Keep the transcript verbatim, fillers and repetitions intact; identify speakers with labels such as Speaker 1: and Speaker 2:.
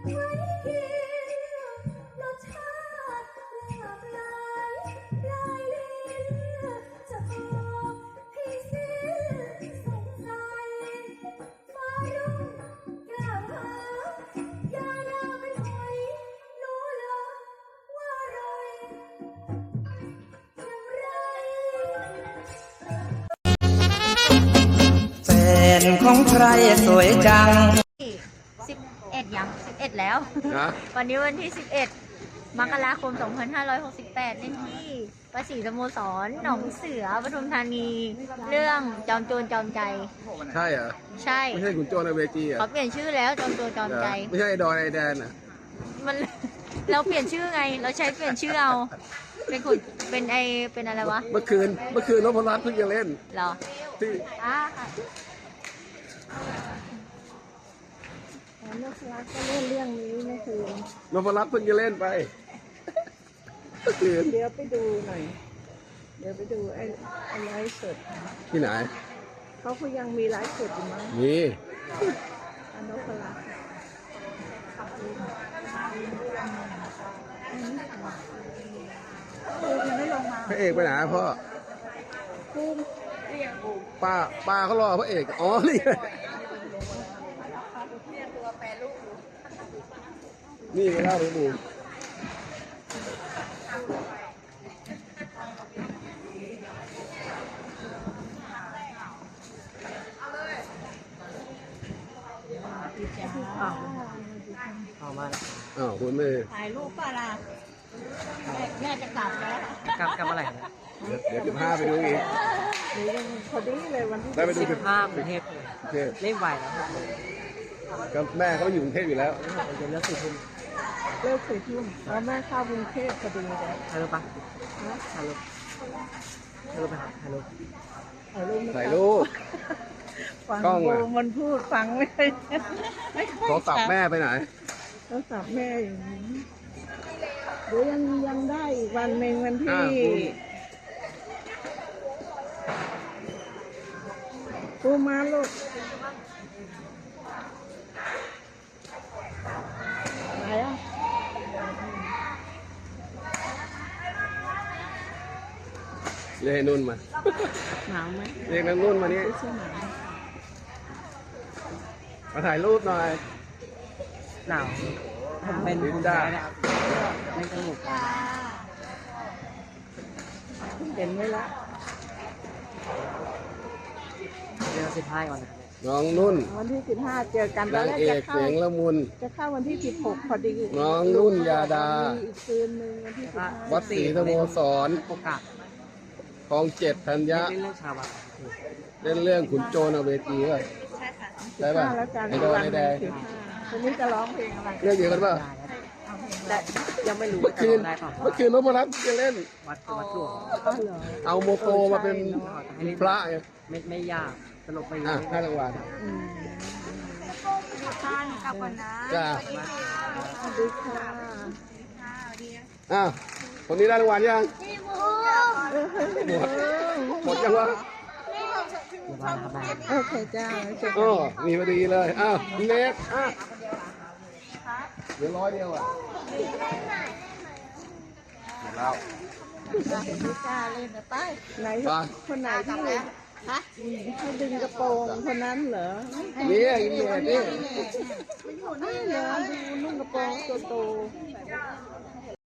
Speaker 1: รสชาติหลากหลายลายลิ้นจะบอกให้สิ้นสงสัยฟ้ารุ่งกล่าวหายานาเป็นหอยรู้เลยว่าอร่อยอย่างไร
Speaker 2: แฟนของใครสวยจัง
Speaker 3: สิบเอ็ดยังสิบเอ็ดแล้ว วันนี้วันที่สิบเอ็ดมกราคมสองพันห้าร้อยหกสิบแปดเล่นที่ประสีสโมสรหนองเสือปทุมธานีเรื่องจอมโจรจอมใจ
Speaker 4: ใช่เหรอ
Speaker 3: ใช่
Speaker 4: ไม่ใช่ขุนโจรในเวทีอ่ะ
Speaker 3: เขาเปลี่ยนชื่อแล้วจอมโจรจอมใจ
Speaker 4: ไม่ใช่ไอดอนไอแดนอ่ะ
Speaker 3: มันเราเปลี่ยนชื่อไงเราใช้เปลี่ยนชื่อเอาเป็นขุนเป็นไอเป็นอะไรวะ
Speaker 4: เมื่อคืนเมื่อคืนนพรัตน์เพิ่งจะเล่น
Speaker 3: เหรอ
Speaker 4: ที่
Speaker 3: อ่าค่ะ
Speaker 1: นพรัตน์ก็เล่นเรื่องนี้เมื่อคืน
Speaker 4: นพรัตน์เพิ่งจะเล่นไปเมื่อคืน
Speaker 1: เดี๋ยวไปดูหน่อยเดี๋ยวไปดูไอ้ไอ้ไลฟ์สด
Speaker 4: ที่ไหน
Speaker 1: เขาก็ยังมีไลฟ์สดอยู่มั้ง
Speaker 4: มี
Speaker 1: นพรัตน์
Speaker 4: พระเอกไปไหนพ่อป้าป้าเขารอพระเอกอ๋อนี่นี่ก็เล่าไปดู
Speaker 2: เอามา
Speaker 4: อ้าวคุณไม่
Speaker 3: ถ่ายรูปป่ะล่ะแม่จะกลับแล้ว
Speaker 2: กลับกลับอะไร
Speaker 4: เดี๋ยวเดี๋ยวสิบห้าไปดูอีก
Speaker 1: พอดีเลยวันที่
Speaker 4: ได้ไปดูสิบ
Speaker 2: ห้ากรุงเทพเล่นไหวแล้ว
Speaker 4: ก็แม่เขาอยู่กรุงเทพอยู่แล้ว
Speaker 2: เดี๋ยวเลิกสี่ทุ่ม
Speaker 1: เลิกสี่ทุ่มแล้วแม่เข้ากรุงเทพพอดีเลย
Speaker 2: ถ่ายรูปปะถ่ายรูปถ่ายรูปไปถ่ายรูป
Speaker 1: ถ่ายรูป
Speaker 4: ถ่ายรูป
Speaker 1: ฟังมันพูดฟังไม่ไม่ค่อย
Speaker 4: โทรศัพท์แม่ไปไหน
Speaker 1: โทรศัพท์แม่อยู่เดี๋ยวยังยังได้อีกวันหนึ่งวันที่ปูมาลูกไหนอ่ะ
Speaker 4: เรียกนุ่นมา
Speaker 1: หนาวไหม
Speaker 4: เรียกนางนุ่นมานี่มาถ่ายรูปหน่อย
Speaker 2: หนาวผมเป็นคนได้เนี่ยไม่สนุก
Speaker 1: เห็นไหมล่ะ
Speaker 2: เดือนสิบห้าก่อนนะ
Speaker 4: น้องนุ่น
Speaker 1: วันที่สิบห้าเจอกัน
Speaker 4: นางเอกเสียงละมุน
Speaker 1: จะเข้าวันที่สิบหกพอดี
Speaker 4: น้องนุ่นยาดา
Speaker 1: อีกคืนหนึ่งวันที่สิบห้า
Speaker 4: วัดศรีสโมสร
Speaker 2: โอกาส
Speaker 4: คลองเจ็ดธัญญะ
Speaker 2: เล่นเรื่องชาวบ้าน
Speaker 4: เล่นเรื่องขุนโจรเอาเวทีป่ะใช่ป่ะไอดอนไอแดง
Speaker 1: วันนี้จะร้องเพลงอะไร
Speaker 4: เรื่องเดียวกันป่ะ
Speaker 2: แต่ยังไม่รู้
Speaker 4: เมื่อคืนเมื่อคืนนพรัตน์จะเล่น
Speaker 2: วัดวัดหลวง
Speaker 4: เอาโมโตมาเป็นพระไง
Speaker 2: ไม่ไม่ยากสนุกไป
Speaker 4: อ่ะห้ารางวัล
Speaker 3: ท่านกลับก่อนนะ
Speaker 4: จ้า
Speaker 1: สวัสดีค่ะ
Speaker 4: อ้าวคนนี้ได้รางวัลยังหมดหมดยังวะ
Speaker 1: โอเคจ้า
Speaker 4: โอ้มีพอดีเลยอ้าวเน็กอ่ะเหลือร้อยเดียวอ่ะหมดแล้ว
Speaker 1: ไม่กล้าเล่นนะไปไหนคนไหนที่ฮะให้ดึงกระโปรงคนนั้นเหรอ
Speaker 4: นี่นี่นี่
Speaker 1: ไม่เหรอดูนุ่งกระโปรงโตโต